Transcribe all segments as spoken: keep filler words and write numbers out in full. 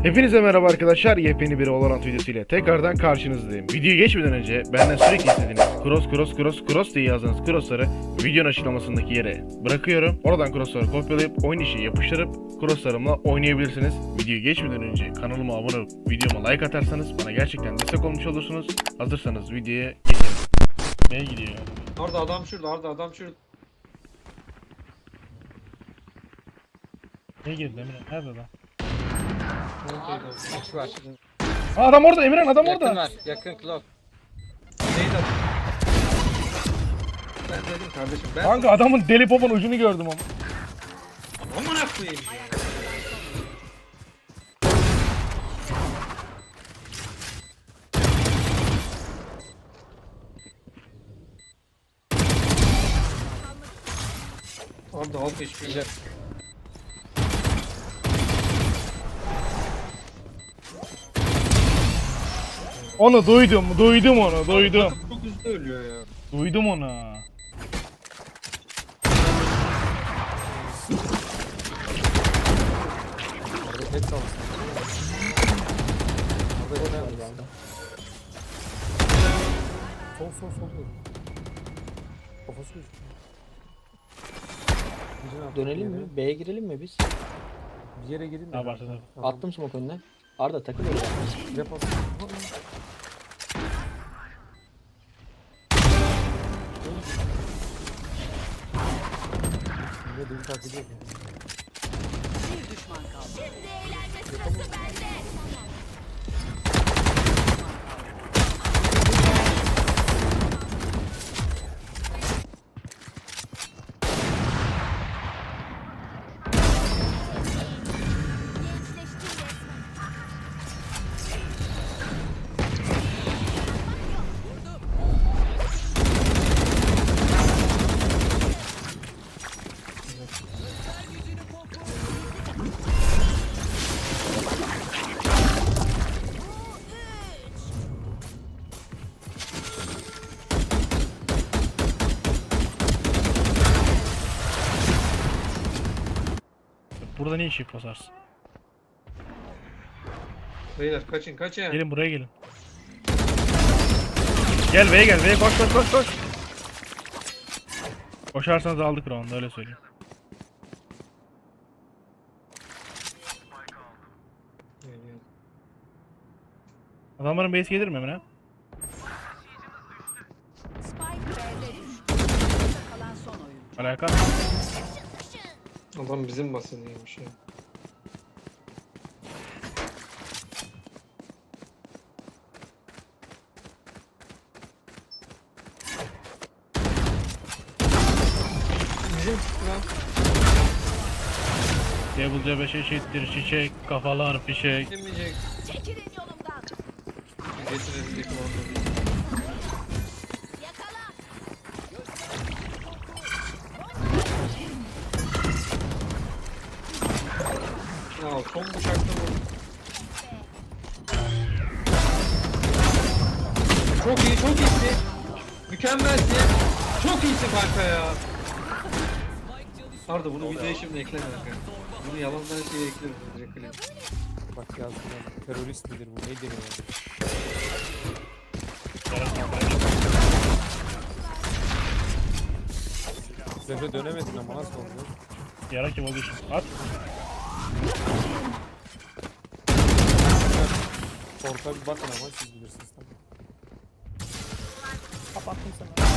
Hepinize merhaba arkadaşlar, yepyeni bir Valorant videosu ile tekrardan karşınızdayım. Videoya geçmeden önce benden sürekli istediğiniz cross cross cross cross diye yazdığınız crossları videonun açıklamasındaki yere bırakıyorum. Oradan crossları kopyalayıp oyun içi yapıştırıp crosslarımla oynayabilirsiniz. Videoya geçmeden önce kanalıma abone olup videoma like atarsanız bana gerçekten destek olmuş olursunuz. Hazırsanız videoya geçelim. Neye gidiyor? Arda adam şurada, Arda adam şurada. Ne girdi Emre? Nerede adam? Neredeydi? Üç var. Aa, adam orada Emirhan, adam Yakın orada. var. Yakın clock. Neydi adam? Ben dedim kardeşim ben. Kanka adamın deli popon ucunu gördüm ama. Amına koyayım ya. Arda alt hiçbir şey. Onu duydum, duydum onu, duydum. Çok hızlı ölüyor ya. Duydum onu. Orada pet kalsın. Orada pet kalsın. Sol sol sol. Kafası gözüküyor. Dönelim mi? B'ye girelim mi biz? Bir yere girin de. Ha, başladı. Attım smoke önüne. Arda takıl öyle. Rap at. Ne deli takip ediyor. Burada ne işi basarsın? Beyler kaçın kaçın. Gelin buraya gelin. Gel B'ye gel, B'ye koş koş koş koş. Koşarsanız aldık round'u, öyle söyleyeyim. Adamların base gelir mi Emre? Spike B'de düştü. Kalan son oyuncu. Alaka. Adam bizim basınıymış ya. Bizim lan. Devil C beş eşittir çiçek, kafalar fişek. Demeyecek. Çekilin yolumdan. Getirelim bir Yakala. Ya son bıçakta vurdu. Çok iyi, çok iyisin. Mükemmelsin. Çok iyisin kanka ya. Arda bunu videoya şimdi ekleme kanka. Bunu yalandan şeye eklerim direkt klip. Bak yazdılar. Terörist midir bu? Nedir ya? Zefre dönemedin ama nasıl oldu? Yara kim olduğu için. At. Orta bir bakın ama siz bilirsiniz tabii. Kapattım sana.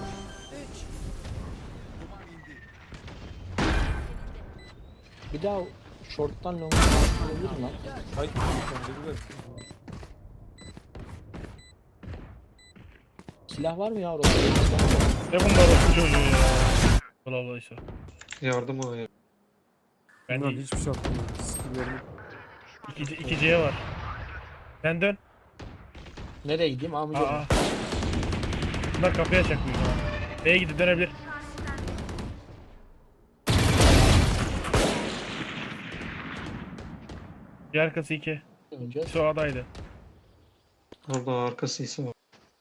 Bir daha short'tan long'a alabilirim lan. Hayır, sen de güzel. Silah var mı ya orada? Ne bunlar o çocuğu ya. Allah Allah işte. Yardım o ya. Ben Bunlar de hiçbir şey yapmıyor. Skillerini iki, iki C'ye var. Sen dön. Nereye gideyim abi? Aa. Bunlar kapıya çakmıyor. B'ye gidip dönebilir. Bir arkası iki. Önce Şu adaydı. Arda arkası ise var.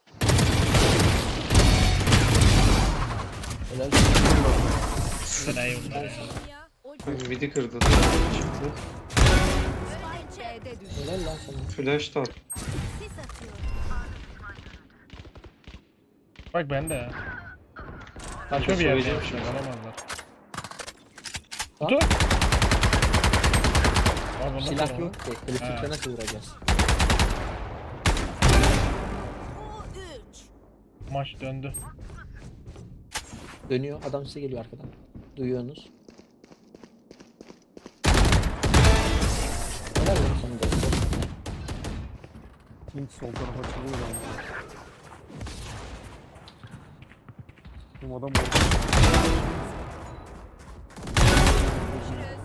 helal. Sen iyi bunlar ya. Midi kırdı. Spike B'de düştü. Helal lan sana. Flash da at. Sis atıyorum. Bak bende ya. Ben Saçma de bir yerde söyleyeceğim yapmışlar. şimdi. Alamazlar. Lan. Kutu. Aa, bunlar Silah tamam. yok ki. Elektrikle Ha. nasıl vuracağız? O üç. Maç döndü. Dönüyor. Adam size geliyor arkadan. Duyuyorsunuz. Helal lan sana da. Link sol tarafa açılıyor lan. Bu adam orada. Görüşürüz.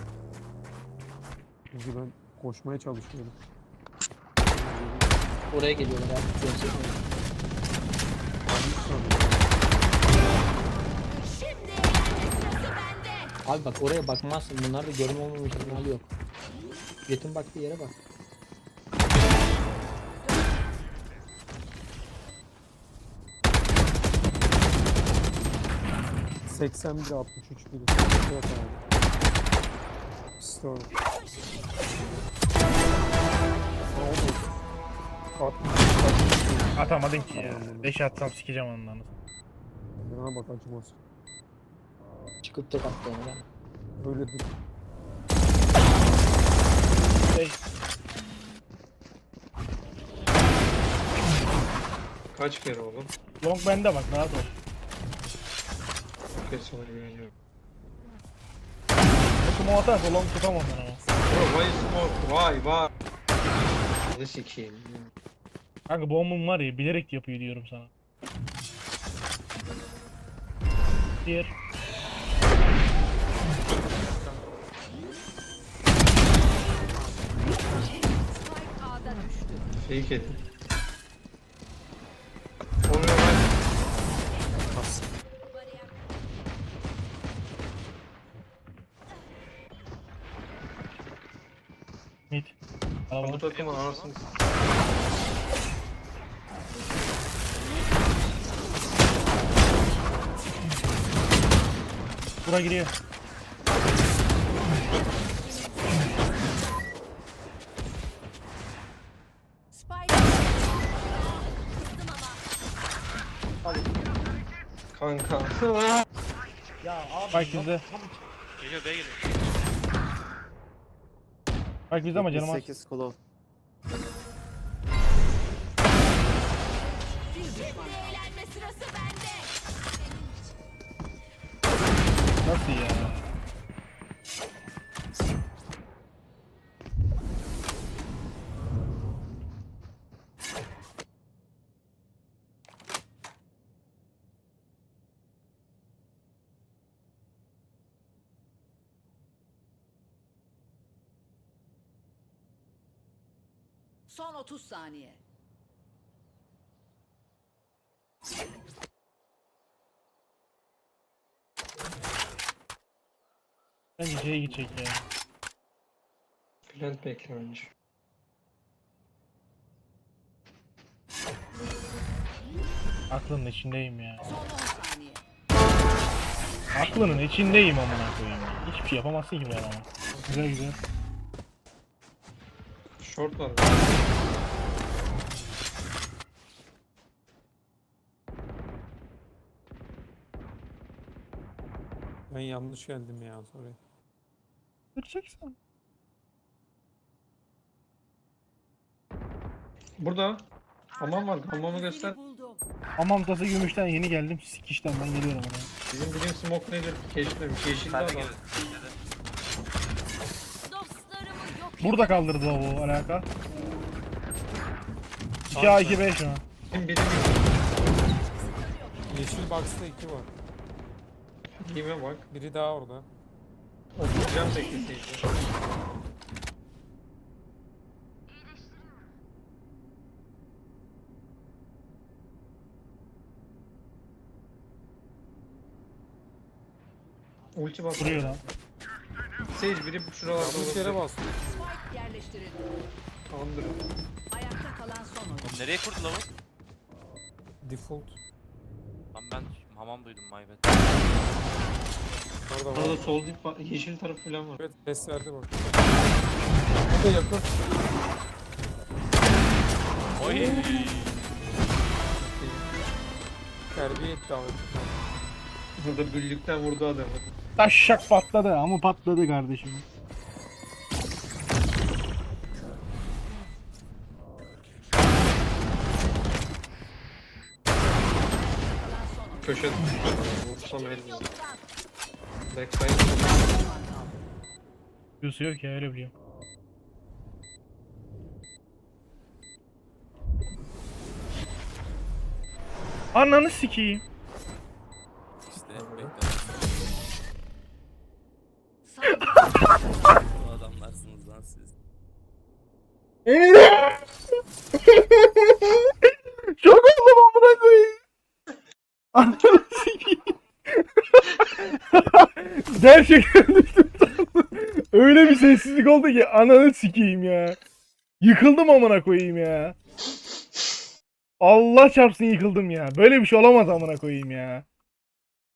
Çünkü ben koşmaya çalışıyorum. Oraya geliyorlar abi. Dönsek mi? Şimdi eğlence sırası bende. Abi bak oraya bakmazsın. Bunlarda görme olmama ihtimali yok. Jet'in baktığı yere bak. seksen bir altmış üç biri. Yok abi. Store. Atamadın ki ya. beş atsam sikeceğim ondan. Bana bak acımaz. Çıkıp tek attı onu lan. Öyledir. Şey, Kaç kere oğlum? long bende bak rahat ol. Kes ona güveniyorum. Kumu atarsa long tutamam ben ama. Bro why smoke? Vay vay. Ne sikeyim. Kanka bombum var ya bilerek yapıyor diyorum sana. Bir. Spike A'da düştü. Fake edin. Oluyor lan. Mid. Bu Kalabalık. takımın anasını Bura giriyor. Spike. Kızdım ama. kanka. Bak bizde. Geliyor B geliyor. Bak bizde ama canım az. sekiz kulağı. Şimdi eğlenme sırası bende. Nasıl ya? Son otuz saniye. Bence C'ye gidecek ya. Plant bekle önce. Aklının içindeyim ya. Son on saniye. Aklının içindeyim amına koyayım ya. Hiçbir şey yapamazsın ki bu adama. Güzel güzel. Short var. Ben yanlış geldim ya sorry. Kıracaksın. Burada. Hamam var. Hamamı göster. Seni buldum. Hamam tası gümüşten yeni geldim. Sikişten ben geliyorum oraya. Bizim bilim smoke nedir? Keşfetmemiş. Yeşilli Ben de adam. geldim. Dostlarımı yok Burada kaldırdı o bu alaka. iki A iki B şu an. Bizim bilim Yeşil box'ta iki var. giyime bak. Biri daha orada. Oturacağım bekleseydi. Ulti bas. Vuruyor lan. Sage biri şuralarda Yanlış yere olabilir. bastım. Spike yerleştirildi. Tamamdır. Ayakta kalan son oyun. Oğlum nereye kurdu lavuk? Default. Lan ben hamam duydum my bad. Orada Orada var. sol dip var. Yeşil taraf falan var. Evet ses verdi bak. O da yakın. Oy. Terbiye etti ama. Burada güllükten vurdu adamı. Taşşak patladı ama patladı kardeşim. Köşe. Vursam elini. Backside. Q'su yok ya öyle biliyorum. Ananı sikeyim. İşte bu adamlarsınız lan siz. Çok oldum amına koyayım. Ananı sikeyim. Gerçekten düştüm sandım. Öyle bir sessizlik oldu ki ananı sikeyim ya. Yıkıldım amına koyayım ya. Allah çarpsın yıkıldım ya. Böyle bir şey olamaz amına koyayım ya.